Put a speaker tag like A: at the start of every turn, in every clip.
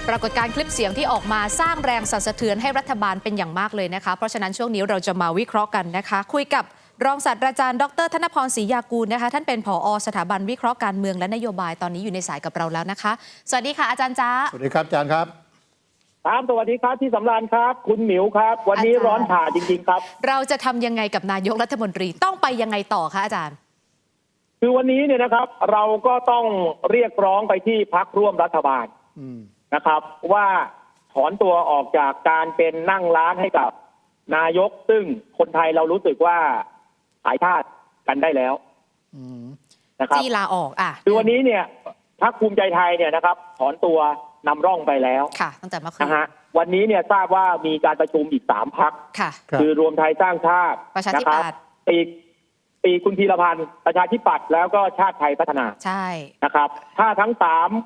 A: ปรากฏการณ์คลิปเสียงที่ออกมาสร้างแรงสั่นสะเทือนให้รัฐบาลเป็นอย่างมากเลยนะคะเพราะฉะนั้นช่วงนี้เราจะมาวิเคราะห์กันนะคะคุยกับรองศาสตราจารย์ดร.ธนพร ศรียากูลนะคะท่านเป็นผอ.สถาบันวิเคราะห์การเมืองและนโยบายตอนนี้อยู่ในสายกับเราแล้วนะคะสวัสดีค่ะอาจารย์จ๊ะ
B: สวัสดีครับอาจารย์ครับ
C: ครับสวัสดีครับที่สำราญครับคุณหมิวครับวันนี้ร้อนฉ่าจริงๆครับ
A: เราจะทำยังไงกับนายกรัฐมนตรีต้องไปยังไงต่อคะอาจารย์
C: คือวันนี้เนี่ยนะครับเราก็ต้องเรียกร้องไปที่พรรคร่วมรัฐบาลนะครับว่าถอนตัวออกจากการเป็นนั่งร้านให้กับนายกซึ่งคนไทยเรารู้สึกว่าขายทาสกันได้แล้วนะครับ
A: ที่ลาออก
C: คือวันนี้เนี่ยพรรคภูมิใจไทยเนี่ยนะครับถอนตัวนำร่องไปแล้ว
A: ค่ะตั้งแต่เมื่อคืน
C: นะฮะวันนี้เนี่ยทราบว่ามีการประชุมอีก3 พรรคคือรวมไทยสร้างชาติ
A: ประชาธิปัตย์
C: ปีคุณพีรพันธ์ประชาธิปัตย์แล้วก็ชาติไทยพัฒนา
A: ใช่
C: นะครับถ้าทั้ง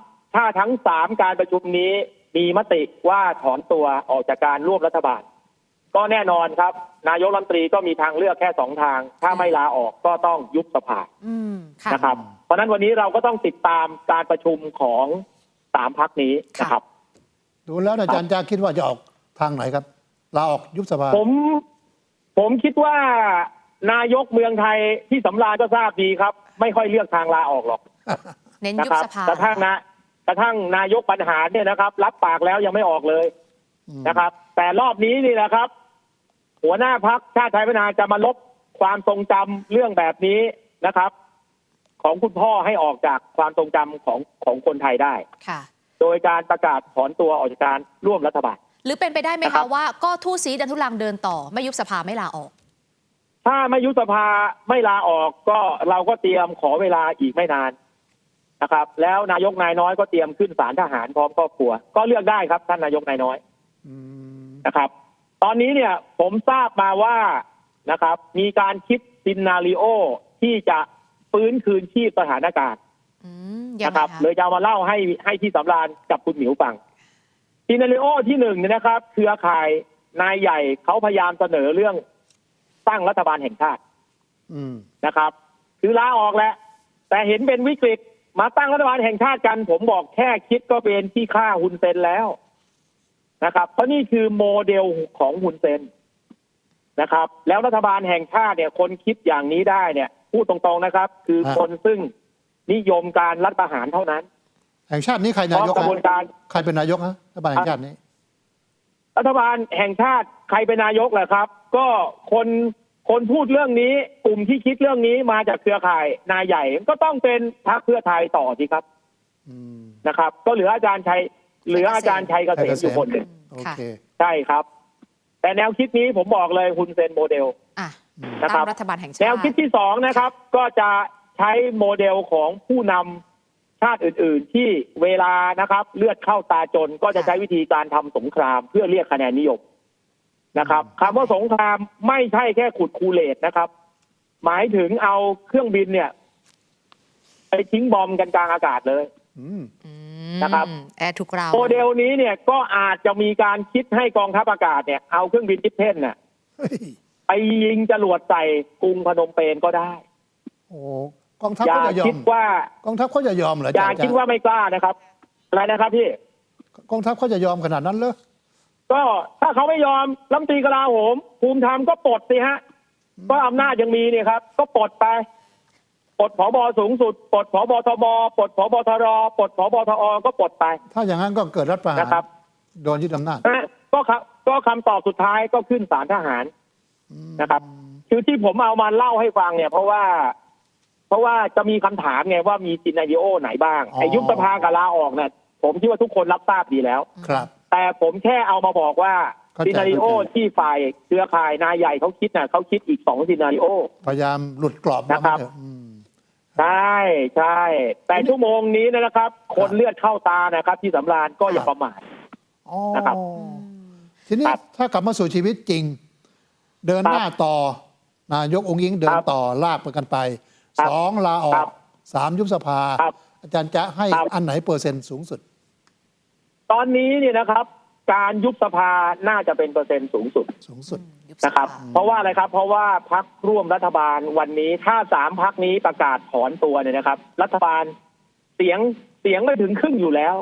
C: 3การประชุมนี้มีมติว่าถอนตัวออกจากการร่วมรัฐบาลก็แน่นอนครับนายกรัฐมนตรีก็มีทางเลือกแค่2 ทางถ้าไม่ลาออกก็ต้องยุบสภานะครับเพราะนั้นวันนี้เราก็ต้องติดตามการประชุมของ3 พรรคนี้นะครับ
B: ดูแล้วอาจารย์จะคิดว่าจะออกทางไหนครับลาออกยุบสภา
C: ผมคิดว่านายกเมืองไทยที่สำราญก็ทราบดีครับไม่ค่อยเลือกทางลาออกหรอก
A: เน้นยุบสภาก
C: ระทั่งนายกปัญหารเนี่ยนะครับรับปากแล้วยังไม่ออกเลยนะครับแต่รอบนี้นี่แหละครับหัวหน้าพรรคชาติไทยพัฒนาจะมาลบความทรงจำเรื่องแบบนี้นะครับของคุณพ่อให้ออกจากความทรงจำของคนไทยได้
A: ค่ะ
C: โดยการประกาศถอนตัวออกจากการร่วมรัฐบาล
A: หรือเป็นไปได้ไหมคะว่าก็ทู่สีดันทุลังเดินต่อไม่ยุบสภาไม่ลาออก
C: ถ้าไม่ยุบสภาไม่ลาออกก็เราก็เตรียมขอเวลาอีกไม่นานนะครับแล้วนายกนายน้อยก็เตรียมขึ้นศาลทหารพร้อมครอบครัวก็เลือกได้ครับท่านนายกนายน้อยนะครับตอนนี้เนี่ยผมทราบมาว่านะครับมีการคิดซินนาริโอที่จะฟื้นคืนชีพสถานการณ์นะครับเลยจะมาเล่าให้ที่สำราญกับคุณหมิวฟังซินนาริโอที่1เนี่ยนะครับเครือข่ายนายใหญ่เขาพยายามเสนอเรื่องตั้งรัฐบาลแห่งชาตินะครับคือลาออกแล้วแต่เห็นเป็นวิกฤตมาตั้งรัฐบาลแห่งชาติกันผมบอกแค่คิดก็เป็นที่ฆ่าฮุนเซนแล้วนะครับเพราะนี่คือโมเดลของฮุนเซนนะครับแล้วรัฐบาลแห่งชาติเนี่ยคนคิดอย่างนี้ได้เนี่ยพูดตรงๆนะครับคือคนซึ่งนิยมการรัฐประหารเท่านั้น
B: แห่งชาตินี้ใครนายก
C: กระบวนการ
B: ใครเป็นนายกฮะรัฐบาลแห่งชาตินี้
C: รัฐบาลแห่งชาติใครเป็นนายกแหละครับก็คนพูดเรื่องนี้กลุ่มที่คิดเรื่องนี้มาจากเครือข่ายนายใหญ่ก็ต้องเป็นพรรคเพื่อไทยต่อสิครับนะครับก็เหลืออาจารย์ชัยเกษมอยู่คนหนึ่งใช่ครับแต่แนวคิดนี้ผมบอกเลยฮุนเซนโมเดลนะครับ
A: รัฐบาลแห่งชาติ
C: แนวคิดที่2นะครับก็จะใช้โมเดลของผู้นำชาติอื่นๆที่เวลานะครับเลือดเข้าตาจนก็จะใช้วิธีการทำสงครามเพื่อเรียกคะแนนนิยมนะครับคำว่าสงครามไม่ใช่แค่ขุดคูเลตนะครับหมายถึงเอาเครื่องบินเนี่ยไปทิ้งบอมกันกลางอากาศเลยนะครับ
A: ทุกเรา
C: โมเดลนี้เนี่ยก็อาจจะมีการคิดให้กองทัพอากาศเนี่ยเอาเครื่องบินทิพเพ่นเนี่ยไปยิงจรวดใส่กรุงพนมเปญก็ได้
B: โอ้กองทัพเขาจะยอมกองทัพเขาจะยอมเหรอ
C: อย่าคิดว่าไม่กล้านะครับอะไรนะครับพี่
B: กองทัพเขาจะยอมขนาดนั้นเหรอ
C: ก็ถ้าเขาไม่ยอมรัฐมนตรีกลาโหมภูมิธรรมก็ปลดสิฮะก็อำนาจยังมีเนี่ยครับก็ปลดไปปลดผบ.สูงสุดปลดผบ.ทบ.ปลดผบ.ทร.ปลดผบ.ทอ.ก็ปลดไป
B: ถ้าอย่างนั้นก็เกิดรัฐประหาร
C: นะครับ
B: โดนยึดอำนาจ
C: ก็คำตอบสุดท้ายก็ขึ้นศาลทหารนะครับคือที่ผมเอามาเล่าให้ฟังเนี่ยเพราะว่าจะมีคำถามไงว่ามีซีนาริโอไหนบ้างไอ้ยุบสภากับลาออกเนี่ยผมคิดว่าทุกคนรับทราบดีแล้ว
B: ครับ
C: แต่ผมแค่เอามาบอกว่าซีนาริโอที่ฝ่ายเครือข่ายนายใหญ่เขาคิดน่ะเขาคิดอีก2ซีนาริโอ
B: พยายามหลุดกรอบ
C: นะครับใช่แต่ชั่วโมงนี้นะครับคนเลือดเข้าตานะครับที่สำราญก็อย่าประมาทนะครับ
B: ทีนี้ถ้ากลับมาสู่ชีวิตจริงเดินหน้าต่อนายกองค์อิงเดินต่อลากไปกันไป2ลาออก3ยุบสภาอาจารย์จะให้อันไหนเปอร์เซ็นต์สูงสุด
C: ตอนนี้เนี่ยนะครับการยุบสภาน่าจะเป็นเปอร์เซ็นต์สูงสุดนะครับเพราะว่าอะไรครับเพราะว่าพรรคร่วมรัฐบาลวันนี้ถ้า3 พรรคนี้ประกาศถอนตัวเนี่ยนะครับรัฐบาลเสียงไม่ถึงครึ่งอยู่แล้ว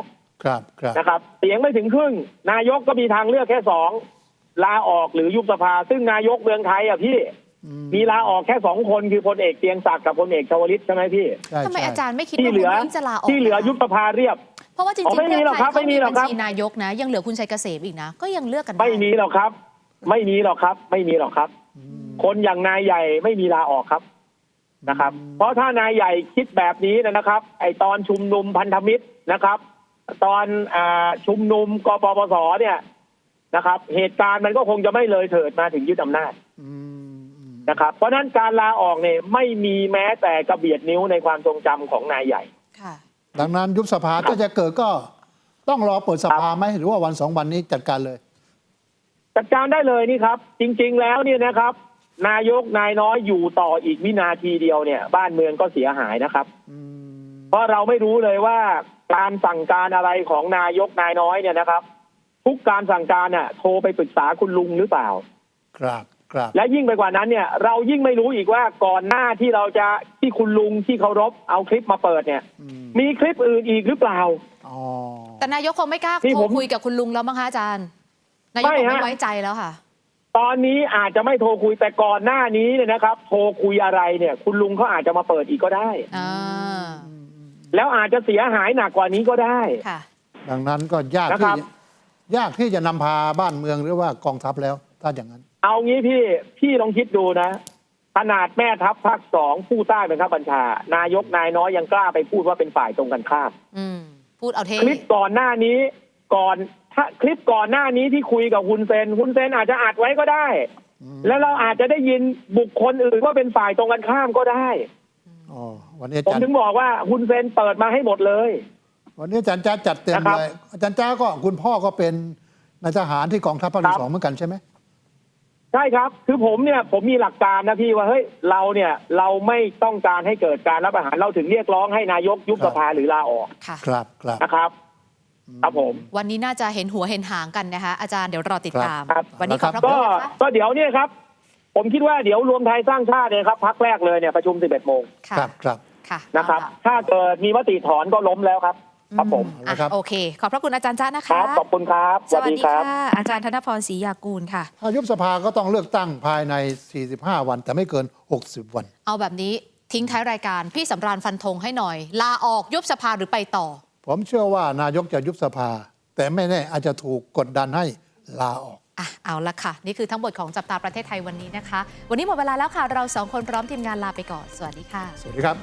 B: ครับครับ
C: นะครับเสียงไม่ถึงครึ่งนายกก็มีทางเลือกแค่สองลาออกหรือยุบสภาซึ่งนายกเมืองไทยอ่ะพี่มีลาออกแค่2 คนคือพลเอกเกรียงศักดิ์กับพลเอกชวลิตใช่ไหมพี่
B: ใช่
A: ทำไม
B: ใช่
A: อาจารย์ไม่คิด
C: ที่
A: ว่า
C: เหลือ
A: คุณยิ่งจะลาออก
C: ที่เหลือยุบสภาเรียบ
A: เพราะว่าจริง
C: อ๋อ
A: ๆ
C: ไม่มีหรอกครับ
A: เพื่อไทย
C: ไม่มีหรอกครับ
A: เขาบัญชีนายกนะ ยังเหลือคุณชัยเกษมอีกนะ ก็ยังเลือกกันด้
C: ไม่มีหรอกครับ ไม่มีหรอกครับ ไม่มีหรอกครับ คนอย่างนายใหญ่ไม่มีลาออกครับนะครับ เพราะถ้านายใหญ่คิดแบบนี้นะครับ ไอตอนชุมนุมพันธมิตรนะครับ ตอนชุมนุมกปปสเนี่ยนะครับ เหตุการณ์มันก็คงจะไม่เลยเถิดมาถึงยึดอำนาจ
B: อืม
C: นะครับ เพราะฉะนั้นการลาออกเนี่ยไม่มีแม้แต่กระเบียดนิ้วในความทรงจำของนายใหญ่
A: ค่ะ
B: ดังนั้นยุบสภาถ้าจะเกิดก็ต้องรอเปิดสภาไหมหรือว่าวัน2 วันนี้จัดการเลย
C: จัดการได้เลยนี่ครับ จริงๆแล้วเนี่ยนะครับ นายกนายน้อยอยู่ต่ออีกวินาทีเดียวเนี่ย บ้านเมืองก็เสียหายนะครับ เพราะเราไม่รู้เลยว่าการสั่งการอะไรของนายกนายน้อยเนี่ยนะครับ ทุกการสั่งการน่ะโทรไปปรึกษาคุณลุงหรือเปล่า
B: ครับครับ
C: และยิ่งไปกว่านั้นเนี่ย เรายิ่งไม่รู้อีกว่าก่อนหน้าที่เราจะที่คุณลุงที่เคารพเอาคลิปมาเปิดเนี่ย มีคลิปอื่นอีกหรือเปล่า
B: อ๋อ
A: แต่นายกคงไม่กล้า
C: ที่
A: โท
C: ผ
A: ร
C: ม
A: คุยกับคุณลุงแล้วมั้งคะอาจารย์ นายก
C: ไม่
A: คง
C: ฮะ
A: ไม่ไว้ใจแล้วค่ะ
C: ตอนนี้อาจจะไม่โทรคุยแต่ก่อนหน้านี้เนี่ยนะครับ โทรคุยอะไรเนี่ย คุณลุงเขาอาจจะมาเปิดอีกก็ได้
A: อ่า
C: แล้วอาจจะเสียหายหนักกว่านี้ก็ได้
A: ค่ะ
B: ดังนั้นก็
C: นะครับ
B: ยากที่จะนำพาบ้านเมืองหรือว่ากองทัพแล้วถ้าอย่างนั้น
C: เอางี้พี่ลองคิดดูนะ ขนาดแม่ทัพภาค2ผู้ใต้บังคับบัญชา นายกนายน้อยยังกล้าไปพูดว่าเป็นฝ่ายตรงกันข้าม
A: อืม พูดเอาเท่
C: คลิปก่อนหน้านี้คลิปก่อนหน้านี้ที่คุยกับฮุนเซนอาจจะอัดไว้ก็ได้ แล้วเราอาจจะได้ยินบุคคลอื่นว่าเป็นฝ่ายตรงกันข้ามก็ได้
B: อ๋อ วันนี้อา
C: ผม
B: จารย์
C: ถึงบอกว่าฮุนเซนเปิดมาให้หมดเลย
B: วันนี้อาจารย์จ้าจัดเต็ม
C: นะครับ
B: เลย อาจารย์จ้าก็คุณพ่อก็เป็นนายทหารที่กองทัพภาค
C: ครั
B: ที่
C: บ
B: 2เหมือนกันใช่ไหม
C: ใช่ครับ คือผมมีหลักการนะพี่ว่าเฮ้ยเราไม่ต้องการให้เกิดการรัฐประหารเราถึงเรียกร้องให้นายกยุบสภาหรือลาออก
A: ค่ะ
B: ครับครับ
C: นะครับครับผม
A: วันนี้น่าจะเห็นหัวเห็นหางกันนะคะ อาจารย์เดี๋ยวรอติดตาม
C: ครับ
A: วันนี้ขอบพระคุณ
C: ก็
A: นะคะ
C: ก็เดี๋ยวเนี่ยครับ ผมคิดว่าเดี๋ยวรวมไทยสร้างชาติเนี่ยครับพักแรกเลยเนี่ยประชุม 11 โมง
A: ค่ะ
B: ครับครับ
A: ค่ะ
C: นะครับ
A: เอาล่
C: ถ้าเกิดมีมติถอนก็ล้มแล้วครับ ครับผม
A: อ่ะ
B: ครับ
A: โอเค ขอบพระคุณอาจารย์จ้านะ
C: ครั
A: คะ
C: บขอบคุณครับ
A: สวัสดีค่ะ อาจารย์ธนพรศรียากูลค่ะ
B: ถ้ายุบสภาก็ต้องเลือกตั้งภายใน 45 วัน แต่ไม่เกิน 60 วัน
A: เอาแบบนี้ทิ้งท้ายรายการพี่สำราญฟันธงให้หน่อย ลาออกยุบสภาหรือไปต่อ
B: ผมเชื่อว่านายกจะยุบสภา แต่ไม่แน่อาจจะถูกกดดันให้ลาออก
A: อ่ะเอาละค่ะ นี่คือทั้งหมดของจับตาประเทศไทยวันนี้นะคะ วันนี้หมดเวลาแล้วค่ะ เราสองคนพร้อมทีมงานลาไปก่อน สวัสดีค่ะ
B: สวัสดีครับ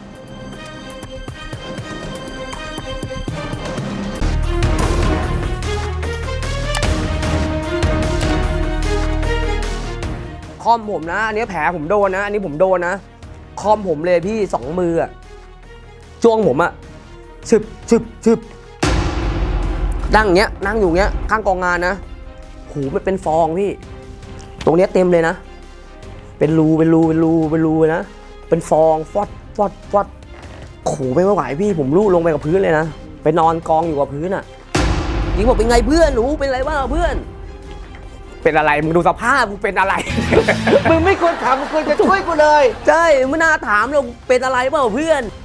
D: คอมผมนะ อันนี้แผลผมโดนนะ อันนี้ผมโดนนะ คอมผมเลยพี่2 มืออะจ้วงผมอะชึบนั่งอย่างเงี้ยนั่งอยู่เงี้ยข้างกองงานนะหูมันเป็นฟองพี่ ตรงเนี้ยเต็มเลยนะ เป็นรูเลยนะ เป็นฟองฟอดขู่ไม่ไหวพี่ผมลู่ลงไปกับพื้นเลยนะ ไปนอนกองอยู่กับพื้นอะยิงบอกเป็นไงเพื่อนหนูเป็นไรบ้างเพื่อน เป็นอะไรมึงดูสภาพมึงเป็นอะไร
E: มึงไม่ควรถามมึงควรจะช่วยกูเลย
D: ใช่ไม่น่าถามเราเป็นอะไรเปล่าเพื่อน